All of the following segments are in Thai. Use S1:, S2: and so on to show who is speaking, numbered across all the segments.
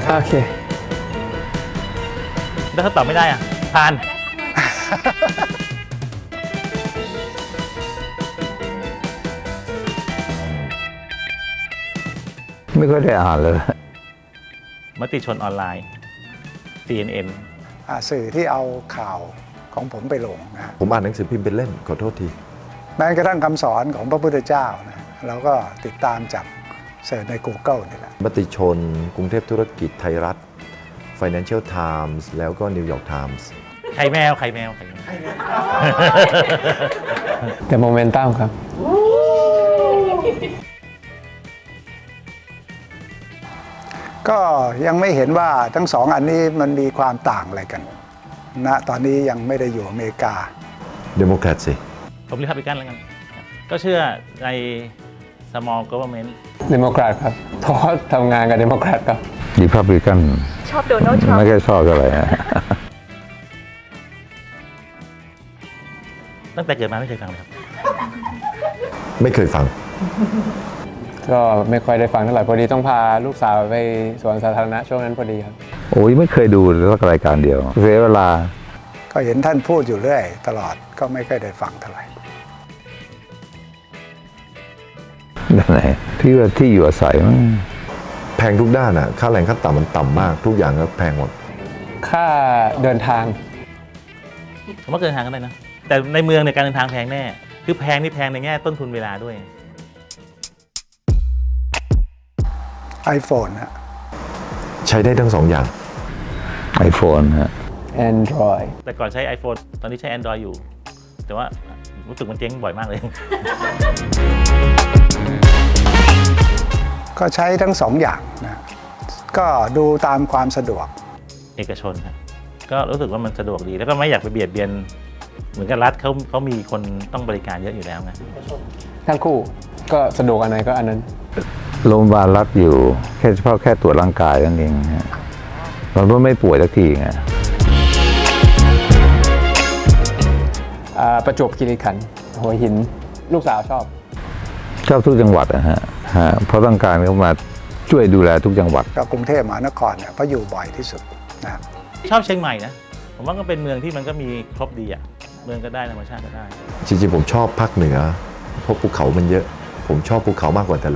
S1: โอเค
S2: แล้วถ้าตอบไม่ได้อ่ะผ่าน
S3: ไม่ค่อยได้อ่านเลย
S2: มติชนออนไลน์ CNN
S4: สื่อที่เอาข่าวของผมไปลงนะ
S5: ผมอ่านหนังสือพิมพ์เป็นเล่มขอโทษที
S4: แม้กระทั่งคำสอนของพระพุทธเจ้านะเราก็ติดตามจากเสิร์ชใน Google นี่แหละ
S5: มติชน กรุงเทพธุรกิจไทยรัฐ Financial Times แล้วก็ New York Times
S2: ไข่แมว
S1: แต่โมเมนตัมครับ
S4: ก็ยังไม่เห็นว่าทั้งสองอันนี้มันมีความต่างอะไรกันนะตอนนี้ยังไม่ได้อยู่อเมริกา
S5: Democrat สิ
S2: ผมเรียกไปกันแล้วกัน ก็เชื่อใน small government
S1: เดโมแครตครับเพราะทำงานกับเดโมแครตครับ
S3: รีพับลิกัน
S6: ชอบโดนัลด์ทรัม
S3: ไม่
S6: ป์
S3: ค่อยชอบเท่าไหร่นะ
S2: ตั้งแต่เกิดมาไม่เคยฟังเลยครับ
S5: ไม่เคยฟัง
S1: ก็ไม่ค่อยได้ฟังเท่าไหร่พอดีต้องพาลูกสาวไปสวนสาธารณะช่วงนั้นพอดีครับ
S3: โอ้ยไม่เคยดูสักรายการเดียวเสียเวลา
S4: ก็เห็นท่านพูดอยู่เรื่อยตลอดก็ไม่ค่อยได้ฟังเท่าไหร่
S3: ด้านไหนที่ว่าที่อยู่อาศัยมั้ง
S5: แพงทุกด้านอ่ะ ค่าแรงขั้นต่ำมันต่ำมาก ทุกอย่างก็แพงหมด
S1: ค่าเดินทาง
S2: ผมว่าเดินทางกันได้นะ แต่ในเมืองในยการเดินทางแพงแน่ คือแพงนี่แพงในแง่ต้นทุนเวลาด้วย
S4: iPhone นะ
S5: ใช้ได้ทั้งสองอย่าง
S3: iPhone ฮะ
S1: Android
S2: แต่ก่อนใช้ iPhone ตอนนี้ใช้ Android อยู่ แต่ว่ารู้สึกมันเจ๊งบ่อยมากเลย
S4: ก็ใช้ทั้งสองอย่างนะก็ดูตามความสะดวก
S2: เอกชนครับก็รู้สึกว่ามันสะดวกดี แล้วก็ไม่อยากไปเบียดเบียน เหมือนกับรัฐเขามีคนต้องบริการเยอะอยู่แล้วไง
S1: ทั้งคู่ก็สะดวกอันไหนก็อันนั้น
S3: โรงพยาบาลรัฐอยู่แค่เฉพาะแค่ตรวจร่างกายนั่นเองฮะเราก็ไม่ป่วยสักทีไง
S1: ประจวบคีรีขันธ์หัวหินลูกสาวชอบ
S3: ชอบทุกจังหวัดนะฮะเพราะต้องการเขามาช่วยดูแลทุกจังหวัด
S4: กับกรุงเทพมหานครเนี่ยเพราะอยู่บ่อยที่สุดนะครับ
S2: ชอบเชียงใหม่นะ ผมว่าก็เป็นเมืองที่มันก็มีครบดีอ่ะ เมืองก็ได้ธรรมชาติก็ได้
S5: จริงๆผมชอบภาคเหนือ เพราะภูเขามันเยอะ ผมชอบภูเขามากกว่าทะเล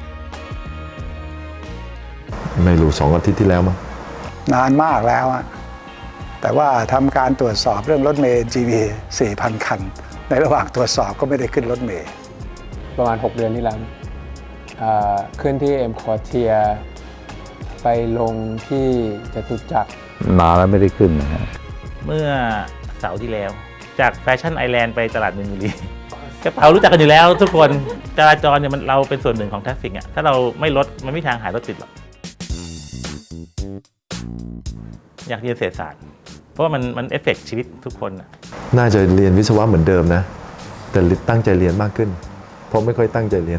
S5: ไม่รู้2 อาทิตย์ที่แล้วมั้ง
S4: นานมากแล้วอะแต่ว่าทำการตรวจสอบเรื่องรถเมล์ GV 4,000 คัน ในระหว่างตรวจสอบก็ไม่ได้ขึ้นรถเมล์
S1: ประมาณ 6 เดือนที่แล้วขึ้นที่เอ็มคอร์เทียไปลงที่จตุจักร
S3: นานแล้วไม่ได้ขึ้นนะฮะ
S2: เมื่อเสาร์ที่แล้ว จากแฟชั่นไอแลนด์ไปตลาดมินบุรี กระเป๋ารู้จักกันอยู่แล้วทุกคนจราจรเนี่ยเราเป็นส่วนหนึ่งของทราฟฟิกอ่ะถ้าเราไม่ลดมันไม่มีทางหายรถติดหรอกอยากเรียนเศรษฐศาสตร์เพราะว่ามันเอฟเฟกต์ชีวิตทุกคนอ่ะ
S5: น่าจะเรียนวิศวะเหมือนเดิมนะ แต่ตั้งใจเรียนมากขึ้น เพราะไม่ค่อยตั้งใจเรียน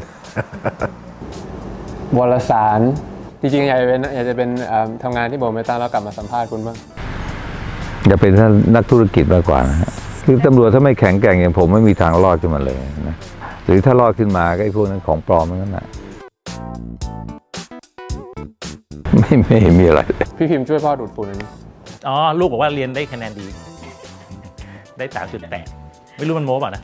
S1: วารสารจริงๆอยากจะเป็นทำงานที่โบเมตันแล้วกลับมาสัมภาษณ์คุณบ้าง
S3: อย่าเป็นนักธุรกิจมากกว่านะฮะคือตำรวจถ้าไม่แข็งแกร่งอย่างผมไม่มีทางรอดขึ้นมาเลยนะหรือถ้ารอดขึ้นมาก็ไอ้พวกนั้นของปลอมนั่นแหละไม่เห็นมีอะไร
S1: พี่พิมพ์ช่วยพ่อดูดฝุ่นอันนี้
S2: อ๋อลูกบอกว่าเรียนได้คะแนนดี ได้ 3.8 ไม่รู้มันโม้เปล่านะ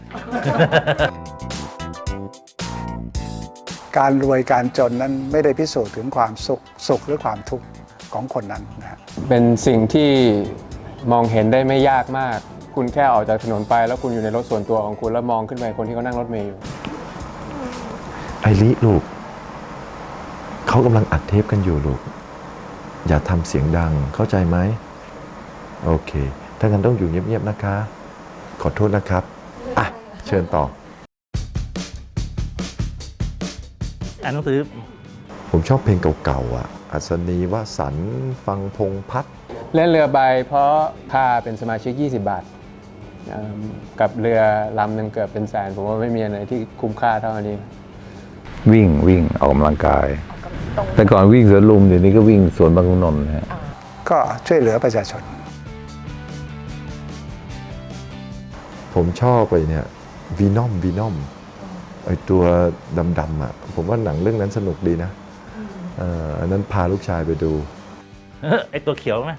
S4: การรวยการจนนั้นไม่ได้พิสูจน์ถึงความสุขหรือความทุกข์ของคนนั้นนะฮะ
S1: เป็นสิ่งที่มองเห็นได้ไม่ยากมาก คุณแค่ออกจากถนนไปแล้วคุณอยู่ในรถส่วนตัวของคุณแล้วมองขึ้นไปคนที่เขานั่งรถเมล์อยู่
S5: ไอริลูก เขากำลังอัดเทปกันอยู่ลูก อย่าทำเสียงดังเข้าใจไหม โอเค ถ้างั้นต้องอยู่เงียบๆนะคะ ขอโทษนะครับ อ่ะ เชิญต่อ
S2: อ่านหนังสือ
S5: ผมชอบเพลงเก่าๆอ่ะ อัศนีวสันต์ฟังพงษ์พัฒน์
S1: เล่นเรือใบเพราะค่าเป็นสมาชิก20 บาทกับเรือลำหนึ่งเกือบเป็นแสนผมว่าไม่มีอะไรที่คุ้มค่าเท่าอันนี้
S3: วิ่งออกกำลังกาย แต่ก่อนวิ่งสวนลุมเดี๋ยวนี้ก็วิ่งสวนบางขุนนนท์นะฮะ
S4: ก็ช่วยเหลือประชาชน
S5: ผมชอบไปเนี่ยวีนอมไอตัวดำๆอ่ะ ผมว่าหนังเรื่องนั้นสนุกดีนะอันนั้นพาลูกชายไปดู
S2: ไอตัวเขียวไหม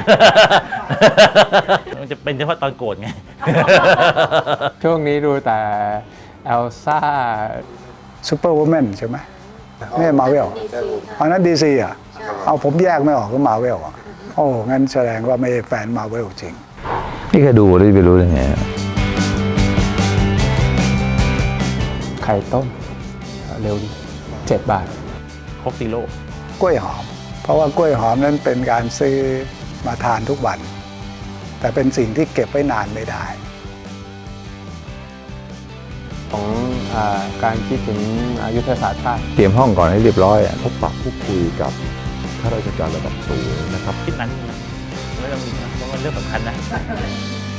S2: มันจะเป็นเฉพาะตอนโกรธไง
S1: ช่วงนี้ดูแต่เอลซ่า
S4: ซูเปอร์วูแมนใช่ไหมไม่มาเวลอันนั้นดีซีอ่ะ เอาผมแยกไม่ออกก็มาเวลอ่ะ โอ้งั้นแสดงว่าไม่ใช่แฟนมาเวลจริง
S3: นี่แค่ดูแล้วจะไปรู้ได้ไง
S1: ไข่ต้มเร็วดี7 บาท
S2: โคกซีโร่
S4: กล้วยหอม เพราะว่ากล้วยหอมนั้นเป็นการซื้อมาทานทุกวัน แต่เป็นสิ่งที่เก็บไว้นานไม่ได้
S1: ของการคิดถึงยุทธศาสตร์ชาติ
S3: เตรียมห้องก่อนให้เรียบร้อยอะ
S5: พบปะพูดคุยกับข้าราชการระดับสูงนะครับ
S2: คิดนั้นนะไม่ต้องมีนะเพราะมันเรื่องสำคัญนะ